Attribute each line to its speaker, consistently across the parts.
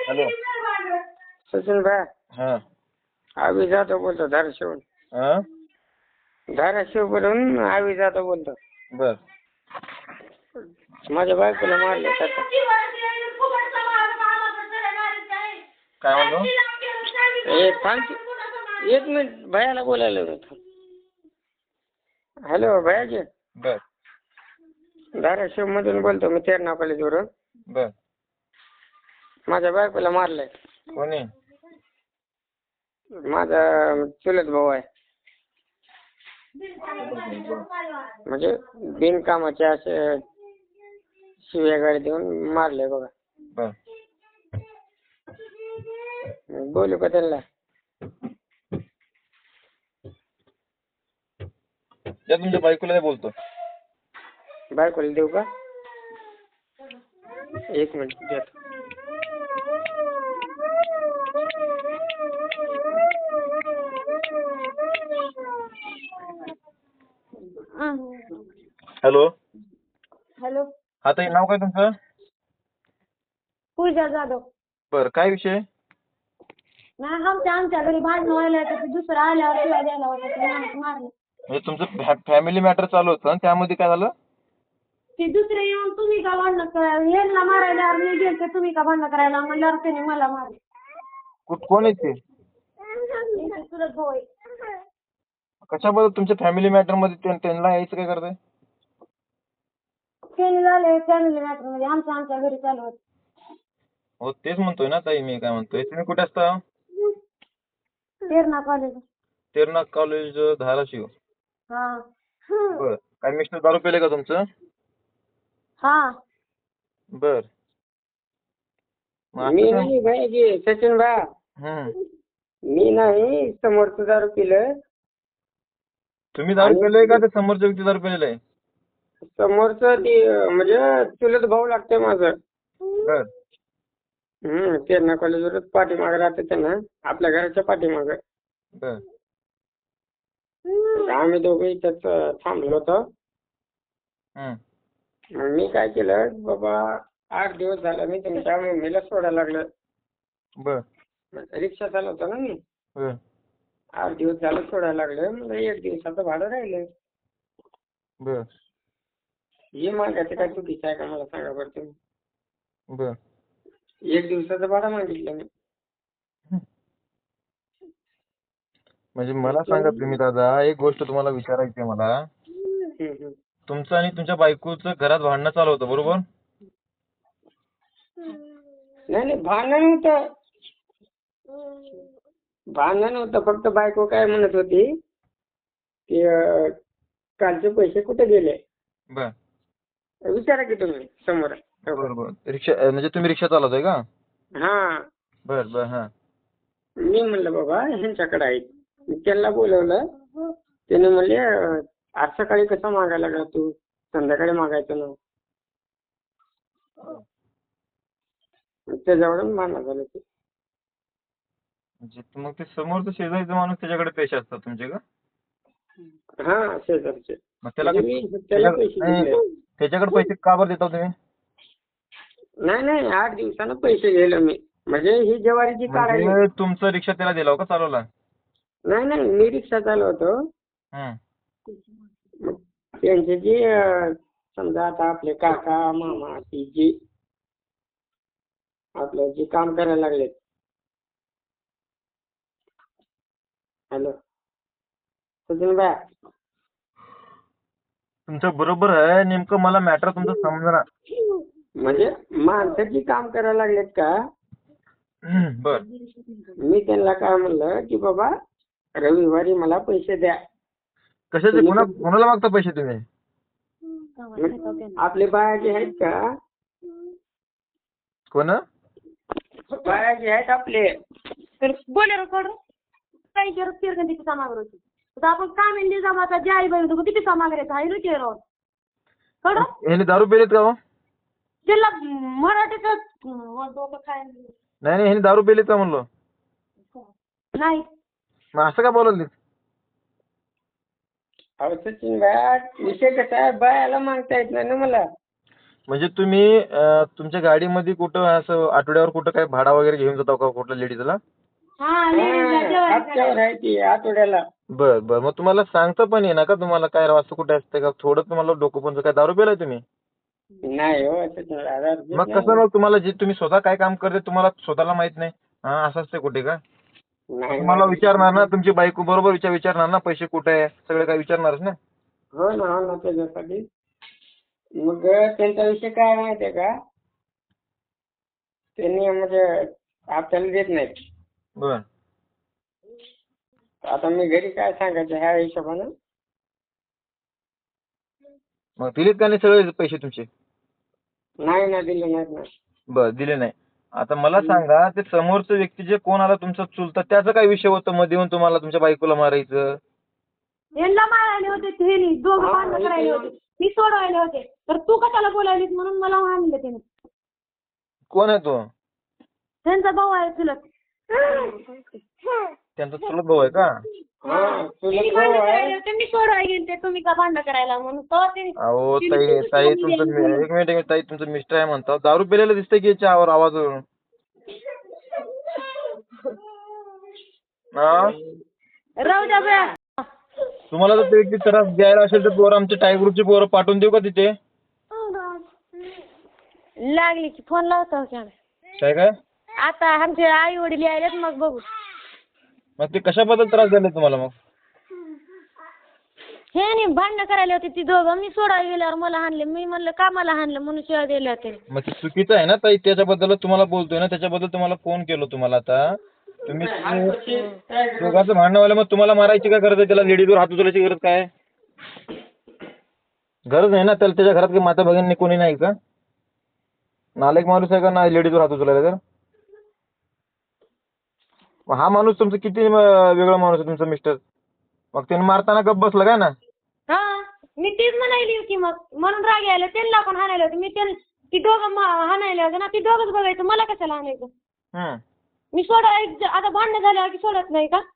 Speaker 1: Hello
Speaker 2: Sachin भाई
Speaker 1: हा
Speaker 2: आवी जाधव बोलतो धाराशिव
Speaker 1: हा
Speaker 2: धाराशिव बोलून आवी जाधव बोलतो.
Speaker 1: बर
Speaker 2: माझ्या बायकोला मारले आता.
Speaker 1: काय म्हणतो?
Speaker 2: एक मिनिट भैयाला बोलायला होतं. हॅलो भैयाजी,
Speaker 1: बर
Speaker 2: धाराशिव मधून बोलतो मी तेरणा कॉलेजवरून.
Speaker 1: बर
Speaker 2: माझ्या बायकोला मारलंय.
Speaker 1: कोणी?
Speaker 2: माझा चुलत भाऊ आहे. म्हणजे बिनकामाचे असे शिव्या गाडी देऊन मारले बघा.
Speaker 1: बर
Speaker 2: बोलू का त्यांना?
Speaker 1: त्या तुमच्या बायकोला बोलतो.
Speaker 2: बायकोला देऊ का? एक मिनिट देतो.
Speaker 1: हॅलो
Speaker 3: हॅलो,
Speaker 1: हा ताई, नाव काय तुमचं?
Speaker 3: पूजा जाधव.
Speaker 1: बर काय विषय?
Speaker 3: नाही, आमच्या घरी भांडण व्हायला तर दुसरा आल्यावर शिवाय द्यायला होता ते मारलं.
Speaker 1: म्हणजे तुमचं फॅमिली मॅटर चालू होतं आणि त्यामध्ये काय झालं?
Speaker 3: ते दुसरे येऊन तुम्ही का भांडण करायला, यांना मारायला मी गेलते, तुम्ही का भांडण करायला म्हणल्यावर त्याने मला मारले.
Speaker 1: कोण आहे ते?
Speaker 3: चुलत भाऊ आहे.
Speaker 1: कशाबद्दल तुमच्या फॅमिली मॅटर मध्ये त्यांना यायचं काय करताय?
Speaker 3: त्याने झाले फॅमिली मॅटर मध्ये आमच्या घरी चालू होत.
Speaker 1: हो तेच म्हणतोय ना ताई, मी काय म्हणतोय, तुम्ही कुठे असता?
Speaker 3: तेरणा कॉलेज.
Speaker 1: तेरणा कॉलेज धाराशिव.
Speaker 3: हा.
Speaker 1: बर काय मिस्टर दारू पिले का तुमचं?
Speaker 3: हा.
Speaker 1: बर
Speaker 2: मी नाही भाई सचिन भा, मी नाही, समोरचं दारू पिलं.
Speaker 1: तुम्ही दारू पिलाय का ते समोरच्या व्यक्ती दारू पिलेला आहे?
Speaker 2: समोरचं ते म्हणजे चुलत भाऊ लागते माझं.
Speaker 1: बर
Speaker 2: तेरणा कॉलेजवरच पाठीमागे राहते त्यांना, आपल्या घराच्या पाठीमागे.
Speaker 1: बर
Speaker 2: आम्ही दोघे इथंच थांबलो होतो. मग मी काय केलं बाबा, 8 दिवस झाला मी तुमच्या मम्मीला सोडायला लागलं.
Speaker 1: बर
Speaker 2: रिक्षा चालवतो ना मी.
Speaker 1: बर
Speaker 2: 8 दिवस झालं सोडायला लागलं. म्हणजे 1 दिवसाचं भाडं राहिलं.
Speaker 1: बर
Speaker 2: हे मागायचं काय चुकीचं आहे का मला सांगा बरं तुम्ही?
Speaker 1: बर
Speaker 2: 1 दिवसाचं भाडं मागितलं मी.
Speaker 1: म्हणजे मला सांगा तुम्ही दादा, एक गोष्ट तुम्हाला विचारायची आहे मला. तुमचं आणि तुमच्या बायकोचं घरात भांडणं चालू होतं बरोबर?
Speaker 2: नाही भांडण नव्हतं. भांडण नव्हतं, फक्त बायको काय म्हणत होती की कालचे पैसे कुठे गेले?
Speaker 1: बर
Speaker 2: विचारा की तुम्ही समोर.
Speaker 1: बरोबर. रिक्षा म्हणजे तुम्ही रिक्षा चालवताय का?
Speaker 2: हा.
Speaker 1: बर बर हा.
Speaker 2: मी म्हणलं बाबा ह्यांच्याकडे आहेत. मी त्यांना बोलवलं. त्याने म्हणले आज सकाळी कसं मागायला लागला तू, संध्याकाळी मागायचं ना. त्याच्यावरून भांडण झालं ते.
Speaker 1: म्हणजे मग ते समोरचं शेजारीचा माणूस त्याच्याकडे पैसे असतात तुमचे का?
Speaker 2: हा शेजारचे.
Speaker 1: मग त्याला
Speaker 2: त्याला पैसे दिले.
Speaker 1: त्याच्याकडे पैसे का बरं देता तुम्ही?
Speaker 2: नाही 8 दिवसानं पैसे गेलो मी. म्हणजे ही ज्वारीची काढायची.
Speaker 1: म्हणजे तुमचं रिक्षा त्याला दिला का चालवला?
Speaker 2: नाही मी रिक्षा चालवतो. मग त्यांचे जे समजा आता आपले काका मामा ती जी आपलं जे काम करायला लागलेत. हॅलो सचिन भाई,
Speaker 1: तुमचं बरोबर आहे. नेमकं मला मॅटर तुमचं समजणार.
Speaker 2: म्हणजे माणसं जी काम करायला लागलेत का?
Speaker 1: बर
Speaker 2: मी त्यांना काय म्हणलं की बाबा रविवारी मला पैसे द्या.
Speaker 1: कशाचे? कोणाला मागता पैसे तुम्ही?
Speaker 2: आपले बायाचे आहेत का?
Speaker 1: कोण?
Speaker 2: बायाचे आहेत आपले.
Speaker 3: तर बोलेरो काढ काही करत फिरकन तिथे सामागर होती. तर आपण काम इंडी जमाता जे आई बहिणी किती सामागरायचं आहे रुची राहून कळ.
Speaker 1: ह्याने दारू पिलेत का हो?
Speaker 3: त्याला मराठीच डोकं खायला
Speaker 1: नाही ह्याने दारू पिलेत का म्हणलो?
Speaker 3: नाही.
Speaker 1: मग असं का बोलवलं?
Speaker 2: अहो सचिन भाई, विषय कसा आहे, बायाला मागता येत नाही ना मला.
Speaker 1: म्हणजे तुम्ही तुमच्या गाडीमध्ये कुठं असं आठवड्यावर कुठं काय भाडा वगैरे घेऊन जाता का कुठल्या लेडीजला?
Speaker 3: हा लेडीजला जेवण
Speaker 2: हप्त्यावर आहे ती आठवड्याला.
Speaker 1: बर बर, मग तुम्हाला सांगता पण येईना का तुम्हाला काय राव असं कुठे असतं का? थोडं तुम्हाला डोकं पण काय दारू पिलाय तुम्ही?
Speaker 2: नाही हो असं नाही. आधार घेत
Speaker 1: मग
Speaker 2: नाही.
Speaker 1: कसं मग तुम्हाला जे तुम्ही स्वतः काय काम करते तुम्हाला स्वतःला माहित नाही? हा असं असते कुठे का?
Speaker 2: नाही
Speaker 1: तुम्हाला
Speaker 2: नाही.
Speaker 1: विचारणार ना तुमची बायको बरोबर विचारणार ना पैसे कुठे आहे सगळे काय विचारणारच ना.
Speaker 2: हो ना त्याच्यासाठी. मग त्यांचा विषय काय माहितीये का, त्यांनी म्हणजे आपल्याला देत नाहीत.
Speaker 1: बर.
Speaker 2: आता मी घरी काय सांगायचं ह्या हिशोबानं.
Speaker 1: मग दिलेत का नाही सगळे पैसे तुमचे?
Speaker 2: नाही ना, दिले नाहीत ना.
Speaker 1: बर दिले नाही. आता मला सांगा ते समोरचं व्यक्ती जे कोण आला तुमचा चुलता त्याचा काय विषय होता मध्ये येऊन तुम्हाला तुमच्या बायकोला मारायचं?
Speaker 3: यांना मारायले होते ते दोघं भांडण करायले होते. मी सोडवायले होते तर तू कशाला बोलायलीस म्हणून मला आणलं त्याने.
Speaker 1: कोण आहे तो?
Speaker 3: त्यांचा भाऊ आहे चुलत.
Speaker 1: त्यांचा चुलत भाऊ आहे का?
Speaker 2: हा,
Speaker 3: त्यांनी
Speaker 2: चुलत
Speaker 3: भांडण
Speaker 2: भाऊ
Speaker 3: करायला
Speaker 2: आहे.
Speaker 3: होते, मी सोडवाय गेलते तुम्ही का भांडण करायला म्हणून तेव्हा ते
Speaker 1: अहो ताई तुमचं एक मिनिट ताई तुमचं मिस्टर आहे म्हणता दारू पिलेलं दिसतंय की याच्या आवाजवरून. हा
Speaker 3: राहू द्या बया.
Speaker 1: तुम्हाला जर ते व्यक्ती त्रास द्यायला असेल तर पोरं आमचे टाय ग्रुपची पोरं पाठवून देऊ का तिथे?
Speaker 3: लागली की फोन लावतो की आम्ही.
Speaker 1: काय?
Speaker 3: आता आमचे आई वडील यायलेत मग बघू.
Speaker 1: मग ते कशाबद्दल त्रास झाले तुम्हाला मग?
Speaker 3: हे नाही भांडणं करायला होती ती दोघं. मी सोडायला गेल्यावर मला हाणले. मी म्हणलं का मला हाणलं म्हणून शिवाय दिल्या होते.
Speaker 1: मग ते चुकीचं आहे ना ताई त्याच्याबद्दल तुम्हाला बोलतोय ना त्याच्याबद्दल तुम्हाला फोन केलो तुम्हाला आता. तुम्ही दोघांचं भांडण व्हायला मग तुम्हाला मारायची काय गरज आहे? त्याला लेडीजवर हात उचलायची गरज काय आहे? गरज नाही ना त्याला. त्याच्या घरात काही माता भगिनी कोणी नाही का? नालायक माणूस आहे का ना लेडीजवर हात उचलायला तर? मग हा माणूस तुमचं किती वेगळा माणूस आहे तुमचा मिस्टर. मग त्याने मारताना गप्प बसला काय ना?
Speaker 3: हा मी तीच म्हणायली होती मग म्हणून राग यायला. त्यांना पण हाणायला होते. मी ती दोघं हाणायला होते ना ती दोघंच बघायचं मला कशाला हाणायचं.
Speaker 1: हम्म.
Speaker 3: मी सोडायला आता भांडणं झाल्यावर की सोडत नाही का?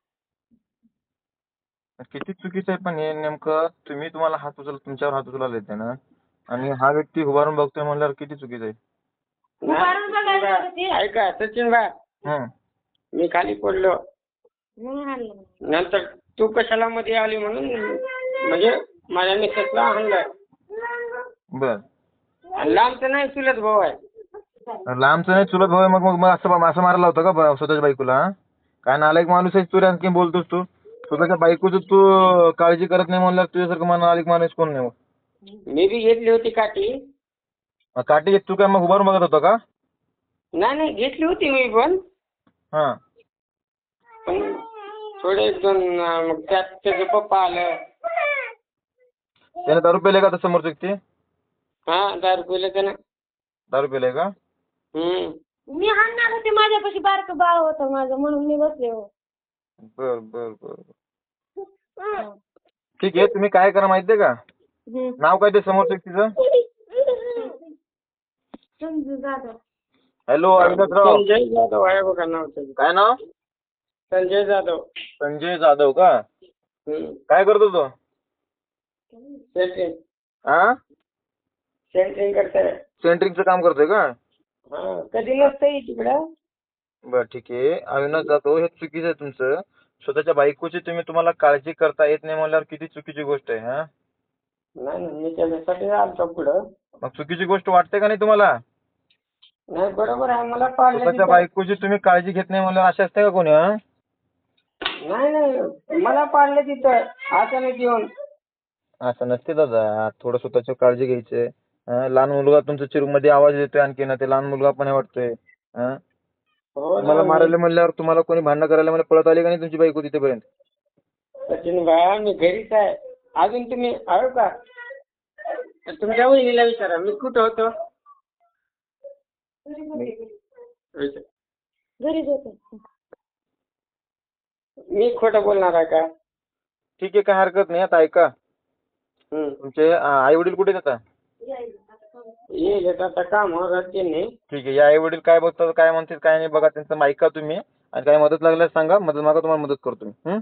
Speaker 1: किती चुकीचं आहे पण हे नेमकं तुम्हाला हात उचल तुमच्यावर हात उचलायला येते ना आणि हा व्यक्ती उभारून बघतोय म्हणल्यावर किती चुकीचं आहे.
Speaker 3: उभारून बघायला होते ते.
Speaker 2: ऐका सचिन भाई,
Speaker 1: हम्म.
Speaker 2: मी खाली पडलो.
Speaker 3: म्हणून हाणलं.
Speaker 2: नंतर तू कशाला मध्ये आली म्हणून म्हणजे माझ्या मिसेसला हाणलं.
Speaker 1: बर.
Speaker 2: आणि लांबचं नाही चुलत भाऊ आहे.
Speaker 1: लांबचं नाही चुलत भाऊ आहे मग मग असं मारायला होतं का स्वतःच्या बायकोला? हा? काय नालायक माणूस आहेस तू रे आणखी बोलतोस तू? स्वतःच्या बायकोचं तू काळजी करत नाही म्हणल्यावर तुझ्यासारखं नालायक माणूस कोण नाही मग?
Speaker 2: मी बी घेतली होती काठी.
Speaker 1: मग काठी घेत तू काय मग उभारून बघत होता का?
Speaker 2: नाही घेतली होती मी पण.
Speaker 1: हा.
Speaker 2: पण थोडे एक दोन मग त्यात त्याचं पप्पा आलं.
Speaker 1: त्याने दारू पिले का आता समोरचं व्यक्ती?
Speaker 2: हा, दारू पिलं त्यानं.
Speaker 1: दारू पिले का?
Speaker 3: मी हाणणार होते माझ्यापाशी बारकं बाळ होतं माझं म्हणून मी बसले हो.
Speaker 1: बर बर बर. ठीक आहे तुम्ही काय करा माहितीये का? नाव काय ते समोरच्या व्यक्तीचं?
Speaker 3: समजू जाधव.
Speaker 1: हॅलो अविनाशराव.
Speaker 2: संजय जाधव आहे बघा नाव त्याचं.
Speaker 1: काय नाव?
Speaker 2: संजय जाधव.
Speaker 1: संजय जाधव का? काय करतो तो?
Speaker 2: सेंट्रिंग.
Speaker 1: हा?
Speaker 2: सेंट्रिंग करताय.
Speaker 1: सेंटरिंगचं काम करतोय का?
Speaker 2: हा, कधी नसतंय तिकडं.
Speaker 1: बर ठीक आहे. अविनाश जाधव हे चुकीचं आहे तुमचं. स्वतःच्या बायकोची तुम्हाला काळजी करता येत नाही म्हणल्यावर किती चुकीची गोष्ट आहे. हा?
Speaker 2: नाही मी त्याच्यासाठी आलतो पुढं.
Speaker 1: मग चुकीची गोष्ट वाटते का नाही तुम्हाला?
Speaker 2: नाही बरोबर आहे. मला पाळलं
Speaker 1: स्वतःच्या
Speaker 2: तिथं.
Speaker 1: बायकोची तुम्ही काळजी घेत नाही म्हणल्यावर असे असते का कोणी? हा?
Speaker 2: नाही मला पाळलं तिथं अचानक येऊन.
Speaker 1: असं नसते दादा. थोडं स्वतःची काळजी घ्यायची. लहान मुलगा तुमच्या चिरूमध्ये आवाज देतोय आणखी ना ते लहान मुलगा पण वाटतोय.
Speaker 2: हो ना.
Speaker 1: तुम्हाला मारायला म्हणल्यावर तुम्हाला कोणी भांडण करायला मला पळत आली का नाही तुमची बायको तिथेपर्यंत?
Speaker 2: सचिन भाई मी घरीच आहे. अजून तुम्ही आहो का? तुमच्या वहिनीला विचारा मी कुठं होतो. विचार.
Speaker 3: घरीच होते.
Speaker 2: मी खोटं बोलणार आहे का?
Speaker 1: ठीक आहे काय हरकत नाही. आता ऐका तुमचे आई वडील कुठे आहेत आता?
Speaker 2: येईल आता कामावर त्यांनी.
Speaker 1: ठीक आहे. या आई वडील काय बघतात काय म्हणतात काय नाही बघा त्यांचं ऐका तुम्ही आणि काय मदत लागल्यास सांगा. मदत मागा तुम्हाला मदत करतो मी.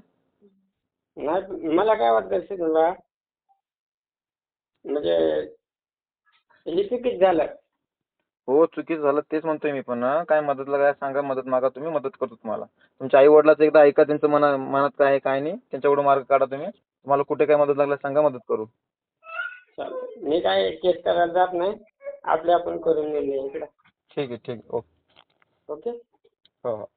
Speaker 2: नाही मला काय वाटतं सचिन भाई म्हणजे हे चुकीच झालं.
Speaker 1: हो चुकीचं झालं तेच म्हणतोय मी पण काय मदतला काय सांगा, मदत मागा, तुम्ही मदत करतो तुम्हाला. तुमच्या आई वडिलाचं एकदा ऐका, त्यांचं मनात काय आहे काय नाही, त्यांच्याकडून मार्ग काढा तुम्ही. तुम्हाला कुठे काय मदत लागल्यास सांगा, मदत करू.
Speaker 2: चालेल. मी काय केस करायला जात नाही, आपले आपण करून घेऊया इकडं.
Speaker 1: ठीक आहे ओके.
Speaker 2: ओके.
Speaker 1: हो हो.